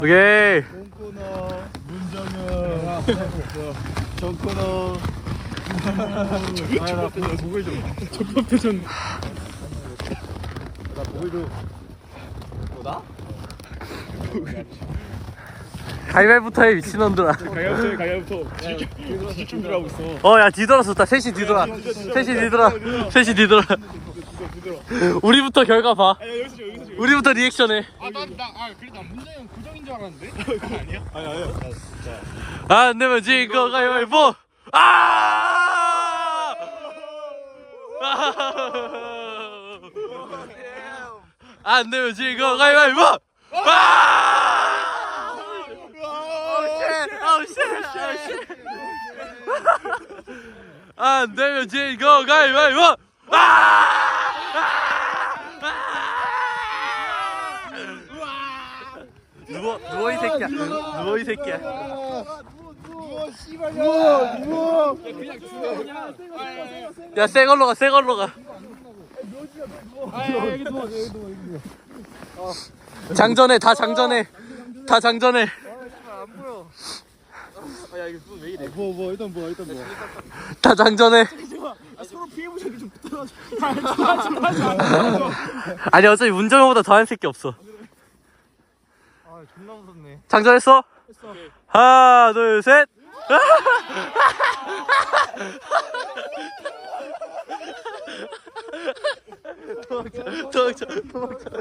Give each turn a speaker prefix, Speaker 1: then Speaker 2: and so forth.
Speaker 1: 오케이.
Speaker 2: 똥코너 문정현 전 코너 아나 목을 좀 적법대전 나 목을 좀 뭐다?
Speaker 1: 가위바위부터 해 미친놈들아.
Speaker 2: 가야부터 준비하고 있어.
Speaker 1: 야 뒤돌아 좋다. 셋이 뒤돌아. 셋이 뒤돌아. 우리부터 결과 봐. 우리부터 리액션해.
Speaker 2: 그래 나 문정현 고정인 줄 알았는데. 아니야? 아니야.
Speaker 1: 안 되면 진거 가위바위보. 안 되면 진거 가위바위보. 안 되면 진거 가위바위보. 누워 이 새끼야. 누워 이 새끼야.
Speaker 2: 누워 씨발 누워 그냥 죽어 그냥.
Speaker 1: 야, 새 걸로 가, 새 걸로 가.
Speaker 2: 여기 누워.
Speaker 1: 장전해, 다 장전해. 다 장전해.
Speaker 2: 안 보여. 야 이거 왜 이래? 뭐 일단 뭐.
Speaker 1: 다 장전해.
Speaker 2: 서로 피해 보자기 좀 붙어가지고.
Speaker 1: 아니, 어차피 문정호보다 더한 새끼 없어.
Speaker 2: 아 존나 무섭네.
Speaker 1: 장전했어?
Speaker 2: 했어.
Speaker 1: 하나, 둘, 셋. 도망쳐.